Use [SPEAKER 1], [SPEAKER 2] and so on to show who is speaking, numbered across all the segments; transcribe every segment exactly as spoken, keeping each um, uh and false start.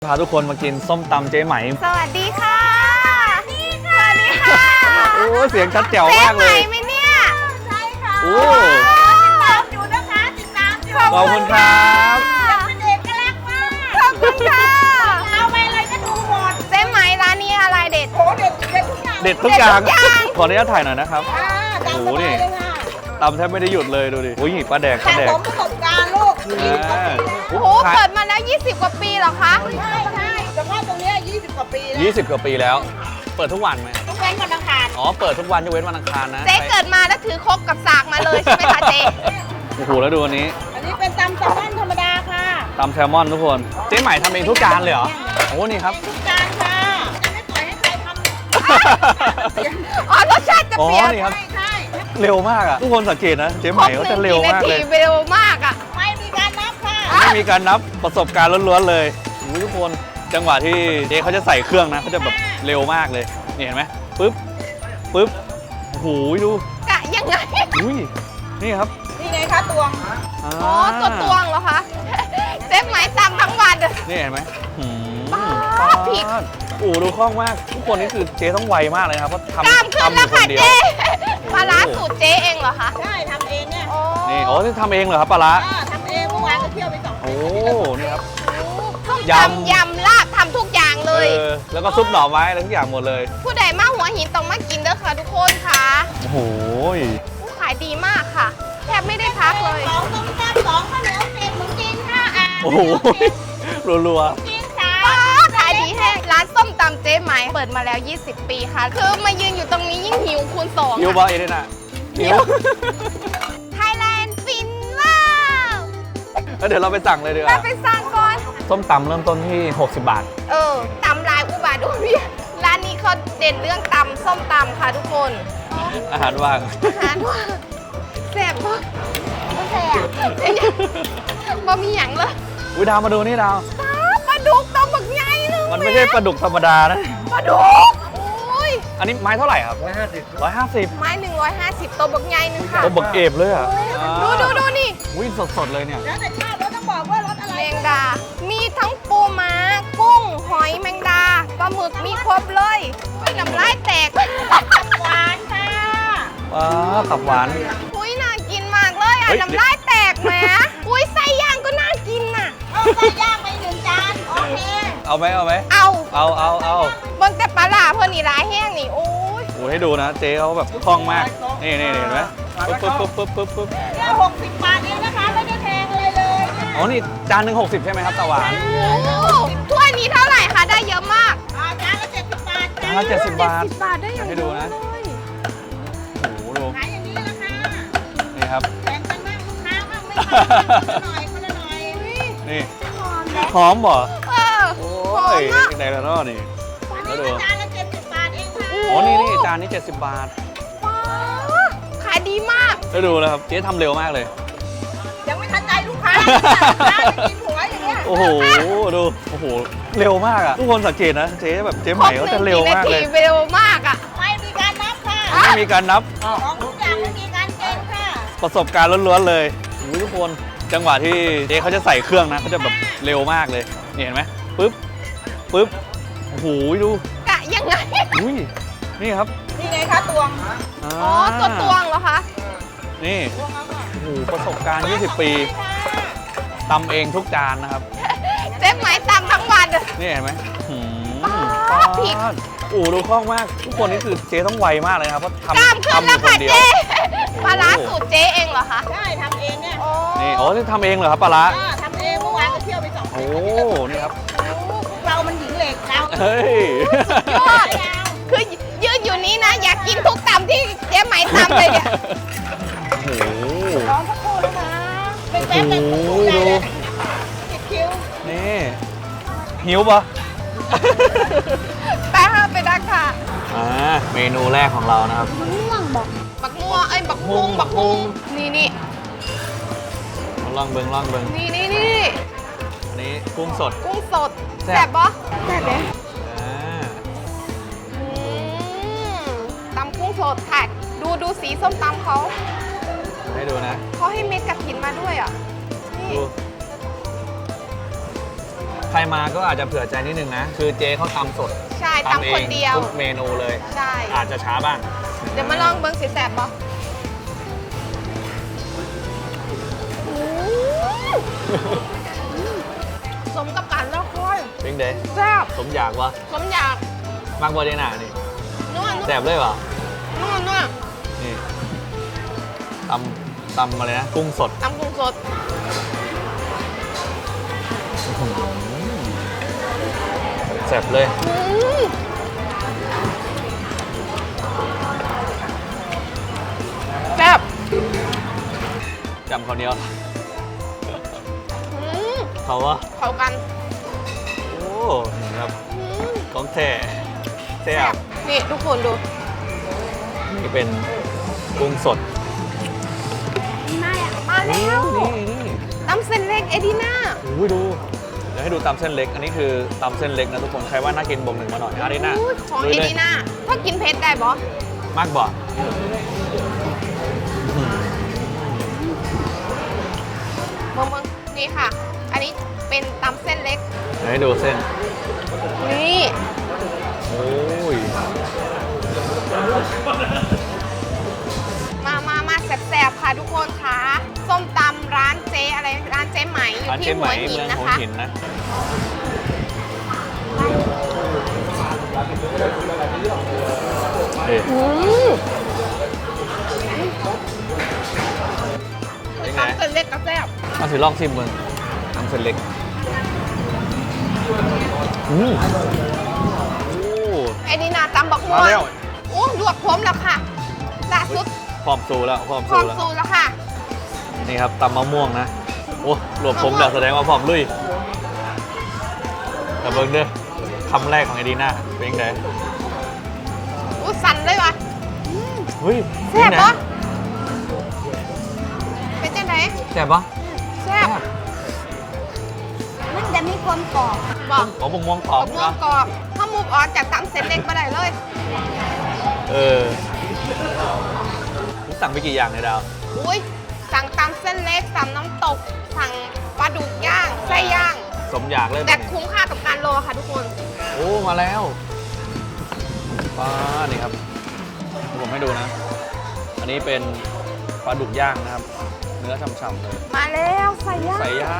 [SPEAKER 1] พาทุกคนมากินส้มตำเจ๊ไหม
[SPEAKER 2] สวัสดีค่ะนี่ค่ะสวัสดีค่ะ
[SPEAKER 1] โอ้เสียงชัดแจ๋วมากเลย
[SPEAKER 2] เจ๊ไหมไหมเนี่ยใช่ค่ะ
[SPEAKER 1] โอ้
[SPEAKER 2] ติดตามอยู่นะคะติดตามอยู่
[SPEAKER 1] ขอบคุณครับ
[SPEAKER 2] เป็นเอกลักษณ์มากขอบคุณค่ะเอาไปอะไรก็ดูหมดเจ๊ไหมร้านนี้อะไรเด็ดโอ้เด็ดเด็ดทุกอย่าง
[SPEAKER 1] เด็ดทุกอย่างขออนุญาตถ่ายหน่อยนะครับ
[SPEAKER 2] โอ้โหนี่
[SPEAKER 1] ตำแทบไม่ได้หยุดเลยดูดิโอ้ยปลาแดกปลาแดก
[SPEAKER 2] สะสมประสบการณ์ลูกโอ้โหเปิดมาแล้วยี่สิบกว่าปีเหรอคะใช่ใช่เฉพาะตรงนี้ยี่สิบกว่าปีแล้ว
[SPEAKER 1] ยี่สิบกว่าปีแล้วเปิดทุกวันไหม
[SPEAKER 2] ทุกเว้นวันอังคาร
[SPEAKER 1] อ๋อเปิดทุกวันยกเว้นวันอังคารนะ
[SPEAKER 2] เจ๊เกิดมาแล้วถือครกกับสากมาเลยใช่ไหมคะเจ๊
[SPEAKER 1] โอ้โหแล้วดูอันนี้
[SPEAKER 2] อันนี้เป็นตำแซลมอนธรรมดาค่ะ
[SPEAKER 1] ตำแซลมอนทุกคนเจ๊ใหม่ทำเองทุกจานเลยเหรอโอ้นี่ครับ
[SPEAKER 2] ทุกจานค่ะจะไม่ปล่อยให้ใครทำอ๋อรสชาติจะเปลี่ยน
[SPEAKER 1] ใช่ใช่เร็วมากอ่ะทุกคนสังเกตนะเจ๊ใหม่เขาจะเร็วมากเลย
[SPEAKER 2] เร็วมากอ่ะไม่มีการนับค่ะ
[SPEAKER 1] ไม่มีการนับประสบการณ์ล้วนๆเลยทุกคนจังหวะที่เจ๊เขาจะใส่เครื่องนะเขาจะแบบเร็วมากเลยนี่เห็นไหมปึ๊บปึ๊บโอ้โหดู
[SPEAKER 2] กะยังไง
[SPEAKER 1] อุ้ยนี่ครับ
[SPEAKER 2] นี่ไงคะตวงอ๋อตัวตวงเหรอคะเจ๊ไหมตำทั้งวัน
[SPEAKER 1] นี่เห็นไหมผิดโอ้ดูคล่องมากทุกคนนี่คือเจ๊ต้องไวมากเลยครับเพราะทำ
[SPEAKER 2] ทำขึ้นแล้วค่ะเจ๊ปลาร้าสูตรเจ๊เองเหรอคะใช่ทำเองเนี่ย
[SPEAKER 1] นี่โอ้ที่ทำเองเหรอครับปลาร้า
[SPEAKER 2] ทำเองเมื่อวานก็เที่ยวไปสอง
[SPEAKER 1] โอ้นี่ครับ
[SPEAKER 2] ยำยำลาบทำทุกอย่างเลย
[SPEAKER 1] แล้วก็ซุปหน่อไม้อะไรทุกอย่างหมดเลย
[SPEAKER 2] ผู้ใดมาหัวหินต้องมากินเด้อค่ะทุกคนค่ะ
[SPEAKER 1] โอ้โห
[SPEAKER 2] ขายดีมากค่ะแทบไม่ได้พักเลยสองต้มแซ่บสองข้าวเหนียวเศษหมูจีนค่ะอ่ะ
[SPEAKER 1] โอ้โหรัว
[SPEAKER 2] ๆจีนค่ะขายดีแห้งร้านส้มตำเจ๊ไหมเปิดมาแล้วยี่สิบปีค่ะคือมายืนอยู่ตรงนี้ยิ่งหิวคูณสอง
[SPEAKER 1] หิวบ่อยเลยนะหิว
[SPEAKER 2] ไทยแลนด์ฟินว้าว
[SPEAKER 1] แล้วเดี๋ยวเราไปสั่งเลยดีกว่า
[SPEAKER 2] ไปสั่งก่อน
[SPEAKER 1] ส้มตำเริ่มต้นที่หกสิบบาท
[SPEAKER 2] เออตำลายอุบาทด้วยพี่ร้านนี้เขาเด่นเรื่องตำส้มตำค่ะทุกคน
[SPEAKER 1] อาหารว่าง
[SPEAKER 2] อาหารว่างแซ่บปะไม่แซ่บบ่มีหยังเลย
[SPEAKER 1] วิดาวมาดูนี่ดาว
[SPEAKER 2] ปลาดุกตัวบักใหญ่เลย
[SPEAKER 1] มันไม่ใช่ปลาดุกธรรมดานะ
[SPEAKER 2] ปลาดุกโอ้ย
[SPEAKER 1] อันนี้ไม้เท่าไหร่ครับร้อยห้าสิบร้อยห้าสิบ
[SPEAKER 2] ไม้หนึ่งร้อยห้าสิบตัวบักใหญ่นึงค่ะ
[SPEAKER 1] ตัวบักเอฟเลยอ่ะ
[SPEAKER 2] ดูดูดูนี่
[SPEAKER 1] วิ่งสดๆเลยเนี่ย
[SPEAKER 2] แล้วแต่ชอบแล้วต้องบอกว่ารสอะไรแมงดามีทั้งปูม้ากุ้งหอยแมงดาปลาหมึกมีครบเลยน้ำลายแตกหวานค่ะ
[SPEAKER 1] ว้าตับหวาน
[SPEAKER 2] อุ้ยน่ากินมากเลยอ่ะน้ำลายแตกแหมอุ้ยไส้ย่างก็น่ากินน่ะเอาไส้ย่างไปหนึ่งจานโอเค
[SPEAKER 1] เอาไหมเอาไหม
[SPEAKER 2] เอา
[SPEAKER 1] เอาเอาเอา
[SPEAKER 2] บนแต่ปลาหลาเพื่อนนี่ร้ายแห้งนี่โอ้ย
[SPEAKER 1] โอ้ให้ดูนะเจ๊เขาแบบคล่องมากนี่นี่เห็นไหมปึ๊บปึ๊บปึ๊บปึ๊บปึ๊บ
[SPEAKER 2] เนี่ยหกสิบบาทเองนะคะไม่ได้แพงอะไรเลย
[SPEAKER 1] อ๋อนี่จานหนึ่งหกสิบใช่ไหมครับตะหวาน
[SPEAKER 2] ถ้วยนี้เท่าไหร่คะได้เยอะมากจานละเจ็ดสิบบาท
[SPEAKER 1] จานละเจ็ดสิบบาท
[SPEAKER 2] บาทได้อย่าง
[SPEAKER 1] ให้ดูนะโอ้โหดู
[SPEAKER 2] ขายอย่างนี้ละค่ะ
[SPEAKER 1] นี่ครับ
[SPEAKER 2] แบ่งกันบ้างลูกค้าบ้างไม่คนละหน่อยคนละหน่อย
[SPEAKER 1] นี่หอมบ่
[SPEAKER 2] เออ
[SPEAKER 1] โอ้ยไหนแล้วเนาะนี่
[SPEAKER 2] แล้วดูจานละเจ็ดสิบบาทเองค่ะ
[SPEAKER 1] อ๋อนี่นี่จานนี้เจ็ดสิบบาท
[SPEAKER 2] ขายดีมาก
[SPEAKER 1] แล้วดูนะครับเจ๊ทำเร็วมากเลย
[SPEAKER 2] ยังไม่ทันใจลูกค้ากินหัวอย่างเงี้ย
[SPEAKER 1] โอ้โหดูโอ้โหเร็วมากอ่ะทุกคนสังเกตนะเจ๊แบบเจ๊ใหม่เขาจะเร็วมากเลย
[SPEAKER 2] เร็วมากอ่ะไม่มีการนับค่ะ
[SPEAKER 1] ไม่มีการนับ
[SPEAKER 2] ของทุกอย่างไม่มีการเกณฑ์ค่ะ
[SPEAKER 1] ประสบการณ์ล้วนๆเลยทุกคนจังหวะที่เจ๊เขาจะใส่เครื่องนะเขาจะแบบเร็วมากเลยนี่เห็นไหมปึ๊บปึ๊บโอ้โหดู
[SPEAKER 2] กะยังไง
[SPEAKER 1] อุ้ยนี่ครับ
[SPEAKER 2] นี่ไงคะตวงอ๋อตัวตวงเหรอคะ
[SPEAKER 1] นี่โอ้โหประสบการณ์ยี่สิบปีตำเองทุกจานนะครับ
[SPEAKER 2] เจ๊ไหมตำทั้งวัน
[SPEAKER 1] นี่เห็นไหม
[SPEAKER 2] ผิด
[SPEAKER 1] โอ้ดูคล่องมากทุกคนนี่คือเจ๊ต้องไวมากเลยครับเพราะทำ
[SPEAKER 2] ทำแล้วค่ะเจ๊ปลาร้าสูตรเจ๊เองเหรอคะใช่ทำเองเนี่ย
[SPEAKER 1] นี่อ๋อที่ทำเองเหรอครับปลาร้า
[SPEAKER 2] ทำเองเมื่อวานก็เที่ยวไปสอง
[SPEAKER 1] โอ้นี่ครับ
[SPEAKER 2] เรามันหญิงเหล็กเรา
[SPEAKER 1] เฮ้ย
[SPEAKER 2] ยอดคือยืนอยู่นี้นะอยากกินทุกตำที่เจ๊ไหมตำเลยเนี่ย
[SPEAKER 1] โอ้โห
[SPEAKER 2] ร้องสักครู่นะคะเป็นแป๊บเป็นคู่เลยติดคิ้ว
[SPEAKER 1] นี่หิวปะ
[SPEAKER 2] แป๊บไปดักค่ะ
[SPEAKER 1] อ่าเมนูแรกของเรานะครับ
[SPEAKER 2] ม่วงบอกบักม่วงไอ้บักฮุงบักฮุงนี่นี่
[SPEAKER 1] ลองเบิ้งลองเบิ้ง
[SPEAKER 2] นี่นี่นี่
[SPEAKER 1] อันนี้กุ้งสด
[SPEAKER 2] กุ้งสดแซ่บปะแซ่บเลยตำกุ้งสดแท็กดูดูสีส้มตำเขา
[SPEAKER 1] ให้ดูนะ
[SPEAKER 2] เขาให้เม็ดกระถินมาด้วยอ่ะนี่
[SPEAKER 1] ใครมาก็อาจจะเผื่อใจนิดนึงนะ คือเจ๊เขาทำสด
[SPEAKER 2] ใช่ทำคนเดียว
[SPEAKER 1] ทุกเมนูเลย
[SPEAKER 2] ใช่
[SPEAKER 1] อาจจะช้าบ้าง
[SPEAKER 2] เดี๋ยวมาลองเบิ้งสีแสบบ่สมกับการแล้วค่อย
[SPEAKER 1] เป็นเด้
[SPEAKER 2] แซ่บ
[SPEAKER 1] สมอยากวะ
[SPEAKER 2] สมอยาก
[SPEAKER 1] มากบอดีน่านี่
[SPEAKER 2] นวด
[SPEAKER 1] แสบเลยวะ
[SPEAKER 2] นวดนวด
[SPEAKER 1] นี่ตำตำอะไรนะ กุ้งสด
[SPEAKER 2] ตำกุ้งสด
[SPEAKER 1] แสบเลย
[SPEAKER 2] อืมแซ่บ
[SPEAKER 1] จำเขาวเหนี้ยว
[SPEAKER 2] อืม
[SPEAKER 1] เขาว่า
[SPEAKER 2] เข้ากัน
[SPEAKER 1] โอ้นี่ครับ
[SPEAKER 2] อืม
[SPEAKER 1] ของแท้แซ่บ
[SPEAKER 2] นี่ทุกคนดู
[SPEAKER 1] นี่เป็นกุ้งสด
[SPEAKER 2] มามาแล้ว
[SPEAKER 1] นี่นี่
[SPEAKER 2] ตำเส้นเล็กเอดีน่า
[SPEAKER 1] โอ้ยดู เดี๋ยวให้ดูตำเส้นเล็ก อันนี้คือตำเส้นเล็กนะทุกคน ใครว่าน่ากินบ่งหนึ่งมาหน่อยอารีน่า
[SPEAKER 2] อุ๊ยของ
[SPEAKER 1] ลุ
[SPEAKER 2] เอย
[SPEAKER 1] เลย
[SPEAKER 2] ดีน่าถ้ากินเผ็ดได้บอ
[SPEAKER 1] มากบ่
[SPEAKER 2] เบิ่งเบิ่งนี่ค่ะ อันนี้เป็นตำเส้นเล็ก
[SPEAKER 1] เดี๋ยวให้ดูเส้น
[SPEAKER 2] นี่
[SPEAKER 1] โอ้ย
[SPEAKER 2] มามามาแซ่บๆค่ะทุกคนค่ะส้มตำร้านเจ๊อะไรร้านเจ๊ไหมอยู่
[SPEAKER 1] ร้าน
[SPEAKER 2] ที่
[SPEAKER 1] เจ๊ไห
[SPEAKER 2] หั
[SPEAKER 1] ม
[SPEAKER 2] วหิน
[SPEAKER 1] เมือง
[SPEAKER 2] นะ
[SPEAKER 1] หัว
[SPEAKER 2] คะ
[SPEAKER 1] หินนะ เอ๊ะ
[SPEAKER 2] อืม
[SPEAKER 1] เป็นไง
[SPEAKER 2] ตำเส้นเล็กก็แซ่บ
[SPEAKER 1] มาถือลองชิมมึงตำเส้นเล็ก อืมโอ้
[SPEAKER 2] ไอ้นี่นาตำบักม่
[SPEAKER 1] มาว
[SPEAKER 2] ง
[SPEAKER 1] แล้ว
[SPEAKER 2] โอ้ลวกผมแล้วค่ะล่าสุด
[SPEAKER 1] พร้อมสูแล้วพร้อม
[SPEAKER 2] พร้
[SPEAKER 1] สู
[SPEAKER 2] อม
[SPEAKER 1] แล้ว
[SPEAKER 2] สูตรแล้วค่ะ
[SPEAKER 1] นี่ครับตำมะม่วงนะ โอ้รวมผมเดี๋ยวแสดงว่าพร้อมลุยแต่เบิ้งเด้อคำแรกของไอดีน่าเป็นยังไง
[SPEAKER 2] อู้สั่นเลยวะ
[SPEAKER 1] เฮ้ย
[SPEAKER 2] แซ่บ
[SPEAKER 1] เป็นไง
[SPEAKER 2] ปะเป็นจังได
[SPEAKER 1] แซ่บปะ
[SPEAKER 2] แซ่บ
[SPEAKER 3] มันจะมีความกรอบ
[SPEAKER 2] บอก
[SPEAKER 1] อ๋อมะม่วงกรอบ
[SPEAKER 2] บักม่วง
[SPEAKER 1] นะ
[SPEAKER 2] กรอบถ้ามูฟออนจากตำเส้นเล็กมาได้เลย
[SPEAKER 1] เออคุณสั่งไปกี่อย่างเนี่ยดาว
[SPEAKER 2] อุ้ยสั่งตำเส้นเล็กสั่งน้ำตก สั่งปลาดุกย่างไส้ย่าง
[SPEAKER 1] สมอยากเลย
[SPEAKER 2] แต่
[SPEAKER 1] แบบนี้
[SPEAKER 2] คุ้มค่ากับการรอค่ะทุกคน
[SPEAKER 1] โอ้มาแล้วปลานี่ครับผมให้ดูนะ อันนี้เป็นปลาดุกย่างนะครับ เนื้อฉ่ำๆเลย
[SPEAKER 2] มาแล้วไส้ย่าง
[SPEAKER 1] ไส้ย่าง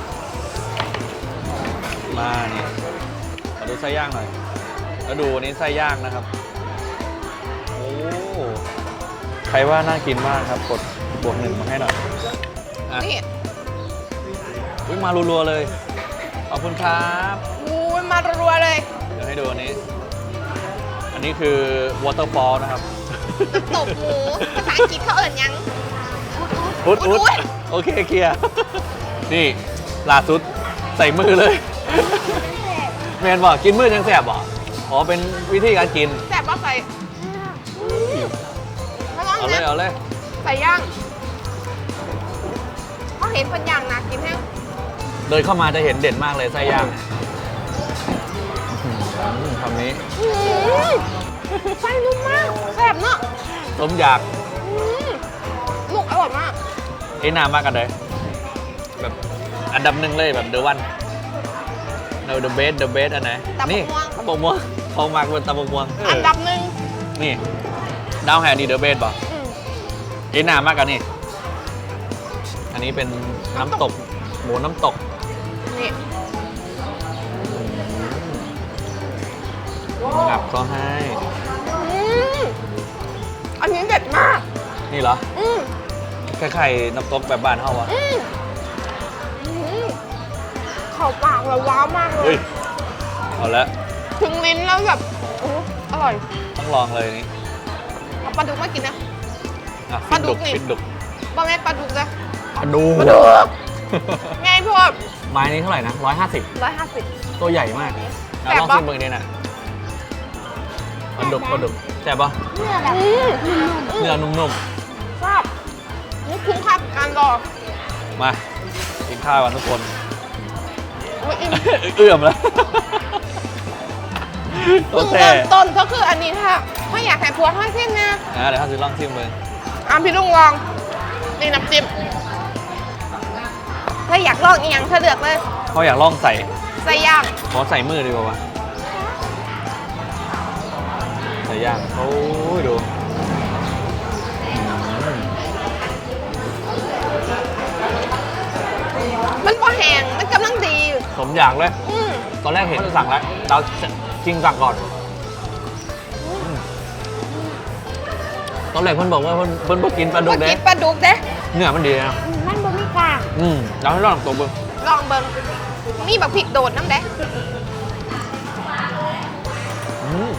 [SPEAKER 1] มานี่มาดูไส้ย่างหน่อย แล้วดูอันนี้ไส้ย่างนะครับ โอ้ใครว่าน่ากินมากครับกดบวกหนึ่งมาให้หน่อยอ่ะ
[SPEAKER 2] นี่
[SPEAKER 1] อุ๊ยมารัวๆเลย ขอบคุณครับ
[SPEAKER 2] อู้ยมารัวๆเลย
[SPEAKER 1] เดี๋ยวให้ดูอันนี้ อันนี้คือ waterfall นะครับ
[SPEAKER 2] น้ำตกหมูภาษาอังกฤษเขาเอ่ยยัง
[SPEAKER 1] อุด
[SPEAKER 2] อุ๊
[SPEAKER 1] อุ
[SPEAKER 2] ด
[SPEAKER 1] ด
[SPEAKER 2] อุ๊ด
[SPEAKER 1] โอเคเคลียร์ นี่ล่าสุดใส่มือเลยแมนบอกกินมือยังแสบบอกอ๋อเป็นวิธีการกิน
[SPEAKER 2] แซ่บปะใส่ไม่ต้อง
[SPEAKER 1] เอาเลย
[SPEAKER 2] นะ
[SPEAKER 1] เอาเลย
[SPEAKER 2] ใส่ย่างเขาเห็นเป็นย่างนะกินแห้ง
[SPEAKER 1] เดินเข้ามาจะเห็นเด่นมากเลยไส้ย่างอื้อหือคำนี้
[SPEAKER 2] อื้อไส้นุ่มมากแซ่บเนาะ
[SPEAKER 1] ต้มอยาก
[SPEAKER 2] อื้อลูกอร่อยมาก
[SPEAKER 1] ไอ้นามากกันเลย แบบอันดับหนึ่งเลยแบบเดอะวันเดอะเบสเดอะเบสอันไหน
[SPEAKER 2] ตำบัก
[SPEAKER 1] นี่
[SPEAKER 2] ม่วง
[SPEAKER 1] ตำบกม่วงเขามากเป็นตำบกม่วงเ
[SPEAKER 2] อันดับหนึ่ง
[SPEAKER 1] นี่ดาวแฮนี่เดอะเบสป่ะ
[SPEAKER 2] อืม
[SPEAKER 1] ไอ้นามากกันนี่ อันนี้เป็นน้ำตก หมูน้ำตก
[SPEAKER 2] นี่
[SPEAKER 1] งับก็ให้
[SPEAKER 2] อืมอันนี้เด็ดมาก
[SPEAKER 1] นี่เหรอ
[SPEAKER 2] อืม
[SPEAKER 1] คล้ายๆน้ำตกแบบบ้านเฮาวะ
[SPEAKER 2] อืมอืมเข้าปากแล้วว้าวมากเล
[SPEAKER 1] เฮ้
[SPEAKER 2] ย
[SPEAKER 1] ย เอาละ
[SPEAKER 2] ถึงลิ้นแล้วแบบโอ้อร่อย
[SPEAKER 1] ต้องลองเลยนี่
[SPEAKER 2] เอาปลาดุกมากินนะ
[SPEAKER 1] อ่ะ
[SPEAKER 2] ปลาดุกนี่
[SPEAKER 1] ฟินดุก
[SPEAKER 2] บะแม่นปลาดุกเลย
[SPEAKER 1] ปลาดุก
[SPEAKER 2] ปลาดุกไงพวก
[SPEAKER 1] ไม้นี้เท่าไหร่นะร้อยห้าสิบ
[SPEAKER 2] ร้อยห้าสิบ
[SPEAKER 1] ตัวใหญ่มาก
[SPEAKER 2] แซ่
[SPEAKER 1] แล้ว
[SPEAKER 2] บ
[SPEAKER 1] ลอง
[SPEAKER 2] ปะ
[SPEAKER 1] ชิมเบอร์นี้นะปลาดุกปลาดุกแซ่บปะ
[SPEAKER 3] เนื้อแบบ
[SPEAKER 2] อืม
[SPEAKER 1] เนื้อนุ่ม
[SPEAKER 2] ชอบนี่คุ้มค่ากับการรอ
[SPEAKER 1] ๆ มากินข้าวกันทุกคน
[SPEAKER 2] อุ๊ยอิ่ม
[SPEAKER 1] เอื้อมแล้วโอ
[SPEAKER 2] เพิ่ง
[SPEAKER 1] เค
[SPEAKER 2] เริ่มต้นก็คืออันนี้ถ้าถ้าอยากให้พวงให้สิ้นนะ
[SPEAKER 1] อ่ะเดี๋ยวข้าซื้อลองชิมเลย
[SPEAKER 2] อ่ะพี่ลุงลองนี่น้ำจิ้มถ้าอยากลองอีกอย่างเธอเลือกเลย
[SPEAKER 1] เขาอยากลองใส่
[SPEAKER 2] ใส่ส่ย่าง
[SPEAKER 1] ขอใส่มือดีกว่าวะใส่ย่างโอ้ยดูอืม
[SPEAKER 2] มันพอแห้งมันกำลังดี
[SPEAKER 1] สมอยากเลย
[SPEAKER 2] อืม
[SPEAKER 1] ตอนแรกเห็นจะสั่งแล้ว เราจริงสั่งก่อน ตอนแรกเพิ่นบอกว่าเพิ่นเพิ่นบ่กินปลาดุ
[SPEAKER 2] ก็
[SPEAKER 1] กเด้
[SPEAKER 2] กินปลาดุกเด้
[SPEAKER 1] เนื้อมันดีนะ
[SPEAKER 2] มันบ่มีกาก
[SPEAKER 1] อืมเราให้ลองตัวเบิ่ง
[SPEAKER 2] ลองเบิ่งมีบักพริกโดดน้ำเด้
[SPEAKER 1] อืม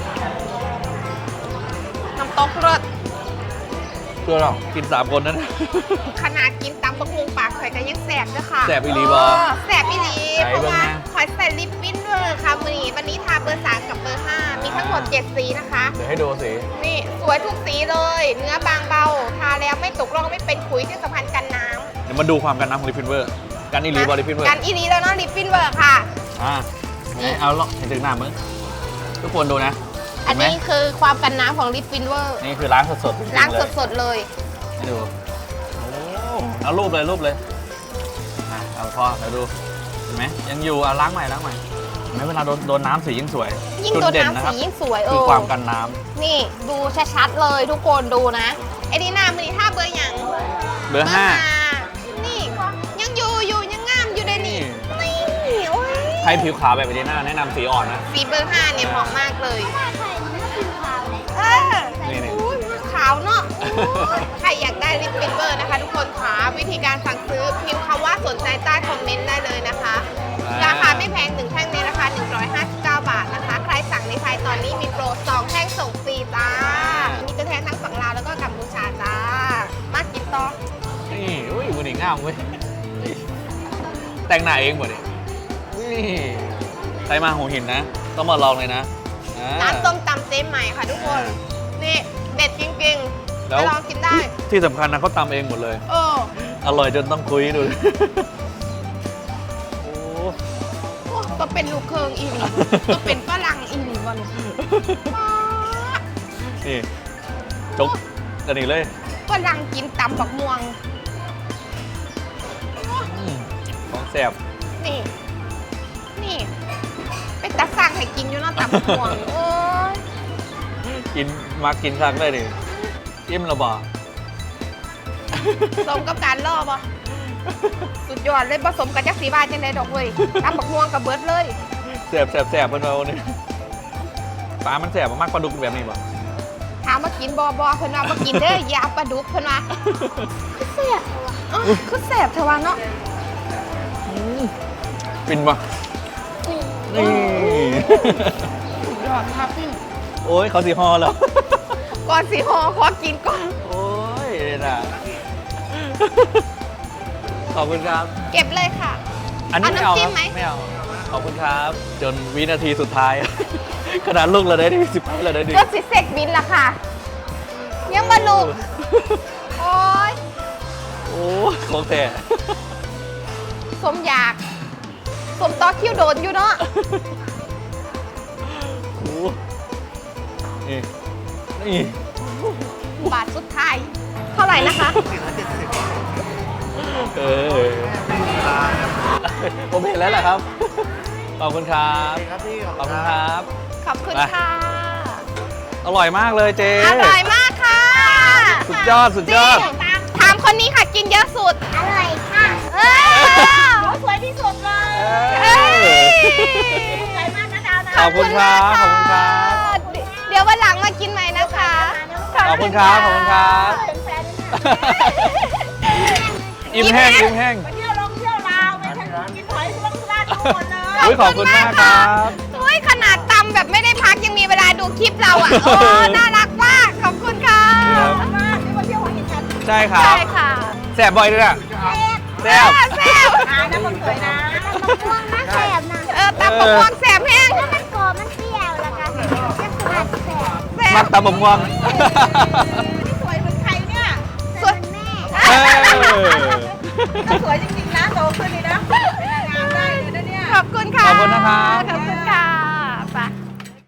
[SPEAKER 2] น้ำตกเลิศ
[SPEAKER 1] เพื่อเรากินสามคนนั้น
[SPEAKER 2] ขนาดกินตำบักฮุงปากข่อยก็ยังแสบด้วยค่ะ
[SPEAKER 1] แสบอีหลีบ่
[SPEAKER 2] เแสบอีหลี
[SPEAKER 1] ไหน
[SPEAKER 2] เพราะว่า
[SPEAKER 1] เบิ่งนะ
[SPEAKER 2] ข่อยใส่ลิปปิ้นด้วยค่ะมือนี้วันนี้ทาเบอร์สามกับเบอร์ห้ามีทั้งหมดเจ็ดสีนะคะ
[SPEAKER 1] เดี๋ยวให้ดูสิ
[SPEAKER 2] นี่สวยทุกสีเลย เนื้อบางเบา ทาแล้วไม่ตกร่องไม่เป็นขุยที่สำคัญกันน้
[SPEAKER 1] เดี๋ยวมาดูความกันน้ำของลิปฟินเวอร์ กัน
[SPEAKER 2] ำ
[SPEAKER 1] อีหลีบอลิปฟินเวอร์
[SPEAKER 2] กันอีหลีแล้วเนาะลิปปิ้นเวอร์ค่ะ
[SPEAKER 1] อ่าไหนเอาลองให้ถึงหน้ามึงทุกคนดูนะ
[SPEAKER 2] อัน
[SPEAKER 1] เห็ไหม
[SPEAKER 2] นี้คือความกันน้ำของลิปปิ้นเวอร์
[SPEAKER 1] นี่คือล้างสดๆจริๆ
[SPEAKER 2] ล้าง
[SPEAKER 1] เลย
[SPEAKER 2] สดๆเลย
[SPEAKER 1] ให้ดูโอ้เอารูปเลยรูปเลยอ่ะเอาพอเดี๋ยวดูเห็นไหมยังอยู่อ่ะล้างใหม่ล้างใหม่เห็นไหมเวลาโดนโดนน้ำสียิ่งสวย
[SPEAKER 2] ยิ่ง
[SPEAKER 1] จุ
[SPEAKER 2] โดน
[SPEAKER 1] เด่
[SPEAKER 2] น้ำ
[SPEAKER 1] นะค
[SPEAKER 2] สี
[SPEAKER 1] รับ
[SPEAKER 2] ยิ่งสวย
[SPEAKER 1] คือ
[SPEAKER 2] เ
[SPEAKER 1] ความกันน้ำ
[SPEAKER 2] นี่ดูชัดๆเลยทุกคนดูนะไอ้นี่หน้ามือนี่ท่าเบอร์หยัง
[SPEAKER 1] เบอร์ห้า
[SPEAKER 2] นี่ยังอยู่อยู่ยังงามอยู่ในนี่นี่โอ้ย
[SPEAKER 1] ใครผิวขาวแบบเอเดน่าแนะนำสีอ่อนนะ
[SPEAKER 2] สีเบอร์ห้าเนี่ยเหมาะมากเลยเออ
[SPEAKER 1] นี่นี่
[SPEAKER 2] อุ๊ยขาวเนาะใครอยากได้ลิปปิ้นเบอร์นะคะ ทุกคนค่ะวิธีการสั่งซื้อพิมพ์คำว่าสนใจใต้คอมเมนต์ได้เลยนะคะ ราคาไม่แพงหนึ่งแท่งในราคาหนึ่งร้อยห้าสิบเก้าบาทนะคะ ใครสั่งในไทยตอนนี้มีโปรสองแท่งส่งฟรีจ้า มีตัวแทนทั้งฝั่งลาวแล้วก็กัมพูชาจ้า มากินต่อ
[SPEAKER 1] นี่อุ้ยมือหนีงามเว้ยแต่งหน้าเองหมดเลยนี่ใครมาหัวหินนะ ต้องมาลองเลยนะอ่
[SPEAKER 2] ร้านส้มตำเจ๊ใหม่ค่ะทุกคน นี่เด็ดจริงๆ
[SPEAKER 1] แล้
[SPEAKER 2] ไป
[SPEAKER 1] ว
[SPEAKER 2] ลองกินได้
[SPEAKER 1] ที่สำคัญนะเขาตำเองหมดเลย
[SPEAKER 2] เออ
[SPEAKER 1] อร่อยจนต้องคุยดู โอ้
[SPEAKER 2] โอ้ก็เป็นลูกเคิงอีหลีก็เป็นฝรั่งอีหลีวัน
[SPEAKER 1] นี่จกกันอีกเลย
[SPEAKER 2] ฝรั่งกินตำบักม่วง
[SPEAKER 1] อืมของแสบ
[SPEAKER 2] นี่ นี่ เป็นตาสั่งให้กินอยู่เนาะตำบักม่วงโอ้ย
[SPEAKER 1] กินมากินครั้งได้ดิอิ่มระบา
[SPEAKER 2] สมกับการล่อปะสุดยอดเลยผสมกับจักสีบาทจังไดดอกเว้ยตำบักม่วงกับเบิร์ดเลย
[SPEAKER 1] แสบแสบแสบเพื่อนเราเนี่ยปลามันแสบมากปลาดุกแบบนี้ป่ะ
[SPEAKER 2] ถามมากินบอบอเพิ่นว่ามากินเด้ออย่าเอาปลาดุกเพิ่นว่าคือแสบอ๋อคือแสบเทว่าเนาะ
[SPEAKER 1] ฟินป่ะนี่
[SPEAKER 2] สุดยอดครับ
[SPEAKER 1] โอ้ยเขาสีฮอแล้ว
[SPEAKER 2] ก่อนสิหอขอกินก่อน
[SPEAKER 1] โอ้ยน่ะขอบคุณครับ
[SPEAKER 2] เก็บเลยค่ะ
[SPEAKER 1] อันนี้ไม่เอา
[SPEAKER 2] เอาน้ำจิ้
[SPEAKER 1] ครั
[SPEAKER 2] ม
[SPEAKER 1] บ
[SPEAKER 2] ไหม
[SPEAKER 1] ไม่เอาขอบคุณครับ จนวินาทีสุดท้าย ขนาดลูกเราได้ที่สิบเราได้ดี
[SPEAKER 2] ก็สิเสกบินละค่ะ ยังมาลูกโอ้ย
[SPEAKER 1] โอ้ของแท้
[SPEAKER 2] สมอยากสมต่อคิวโดนอยู่เนาะ
[SPEAKER 1] โอ้นี่นี่
[SPEAKER 2] บาทสุดท้าย เท่าไหร่นะคะ
[SPEAKER 1] เออผมเห็นแล้วแหละครับ ขอบคุณครับ
[SPEAKER 3] ครับพี่
[SPEAKER 1] ขอบคุณครับ
[SPEAKER 2] ขอบคุณ
[SPEAKER 1] ไป
[SPEAKER 2] ค่ะ
[SPEAKER 1] อร่อยมากเลยเจ๊
[SPEAKER 2] อร่อยมากค่ะ
[SPEAKER 1] สุดยอดสุดยอด
[SPEAKER 2] จริงถามคนนี้ค่ะกินเยอะสุด อร่อยค่ะ เออสวยที่สุดเลย
[SPEAKER 1] เอ้ย
[SPEAKER 2] สวยมากนะดาวนะ
[SPEAKER 1] ขอบคุณครับขอบคุณครับ
[SPEAKER 2] เดี๋ยววันหลังมากินใหม่นะคะ
[SPEAKER 1] ขอบคุณครับขอบคุณครับ
[SPEAKER 2] เป็นแฟน
[SPEAKER 1] อิ่มแห้งอิ่มแห้ง
[SPEAKER 2] เที่ยวลงเที่ยวลาวไปทางกินหอยทุกร้านทุกคนเลย
[SPEAKER 1] อุ๊ยขอบคุณมากครับ
[SPEAKER 2] เฮ้ยขนาดตำแบบไม่ได้พักยังมีเวลาดูคลิปเราอ่ะ โอ้น่ารักมาก ขอบคุณค่ะ
[SPEAKER 1] ครับ
[SPEAKER 2] มากที่มาเที่ยวหัวหินกัน
[SPEAKER 1] ใช่ครับ
[SPEAKER 2] ใช่ค่ะ
[SPEAKER 1] แสบบ่อยด้วยอ่ะแสบ
[SPEAKER 2] แซ่บอ่าน้ำมันสวยนะมะม่วงน่าแซ่บนะ เออตำมะม่วงแซ่บแห้งแล้วมันกรอบมันเปรี้ยวแล้วกันยังขนาดแซ่บแซ่
[SPEAKER 1] มั
[SPEAKER 2] บ
[SPEAKER 1] กตำบกม่วง
[SPEAKER 2] สวยเหมือนใครเนี่ย สวยแม่
[SPEAKER 1] เออ
[SPEAKER 2] ก็สวยจริงๆนะโตขึ้นเลยนะงามได้เลยนะเนี่ย ขอบคุณค่ะ
[SPEAKER 1] ขอบคุณนะครับ
[SPEAKER 2] ขอบคุณค่ะ